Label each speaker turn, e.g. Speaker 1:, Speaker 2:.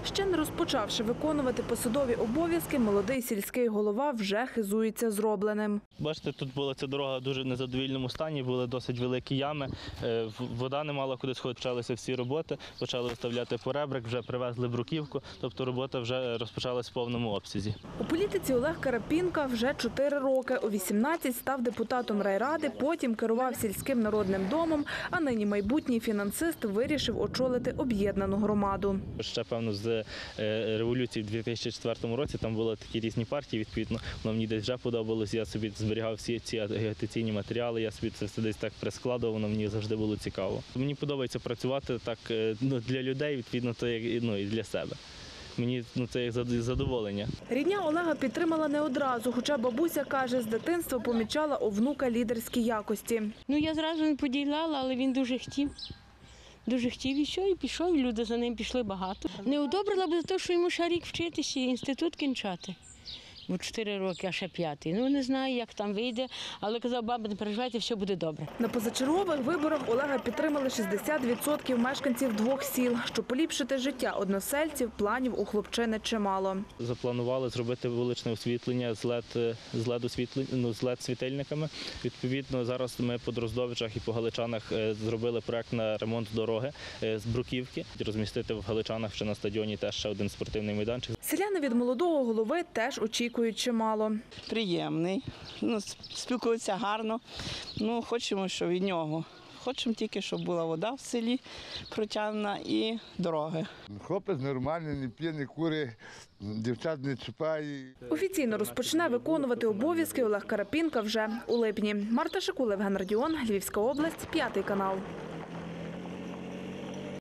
Speaker 1: Ще не розпочавши виконувати посадові обов'язки, молодий сільський голова вже хизується зробленим.
Speaker 2: Бачите, тут була ця дорога в дуже незадовільному стані, були досить великі ями, вода не мала куди сходити, почалися всі роботи, почали виставляти поребрик, вже привезли бруківку, тобто робота вже розпочалась в повному обсязі.
Speaker 1: У політиці Олег Карапінка вже 4 роки. У 18 став депутатом райради, потім керував сільським народним домом, а нині майбутній фінансист вирішив очолити об'єднану громаду.
Speaker 2: Ще, певно, з революції в 2004 році там були такі різні партії, відповідно, воно мені десь вже подобалось, я собі зберігав всі ці агітаційні матеріали, я собі це все десь так перескладував, воно мені завжди було цікаво. Мені подобається працювати так для людей, відповідно, то і для себе. Мені це як задоволення.
Speaker 1: Рідня Олега підтримала не одразу, хоча бабуся каже, з дитинства помічала у внука лідерські якості.
Speaker 3: Я зразу не поділяла, але він дуже хотів. Дуже хотів і що, і пішов, і люди за ним пішли багато. Не одобрила б за те, що йому ще рік вчитися і інститут кінчати. Бо 4 роки, а ще 5-й. Не знаю, як там вийде, але казав, баба, не переживайте, все буде добре.
Speaker 1: На позачергових виборах Олега підтримали 60% мешканців 2 сіл. Щоб поліпшити життя односельців, планів у хлопчини чимало.
Speaker 2: Запланували зробити вуличне освітлення з LED-світильниками. Відповідно, зараз ми по Дроздовичах і по Галичанах зробили проект на ремонт дороги з бруківки. Розмістити в Галичанах ще на стадіоні теж ще один спортивний майданчик.
Speaker 1: Селяни від молодого голови теж очікують чимало.
Speaker 4: Приємний, спілкується гарно, хочемо, що від нього. Хочемо тільки, щоб була вода в селі протягнена і дороги.
Speaker 5: Хлопець нормальний, не п'є, не курить, дівчат не чіпає.
Speaker 1: Офіційно розпочне виконувати обов'язки Олег Карапінка вже у липні. Марта Шикула, Євген Радіон, Львівська область, 5 канал.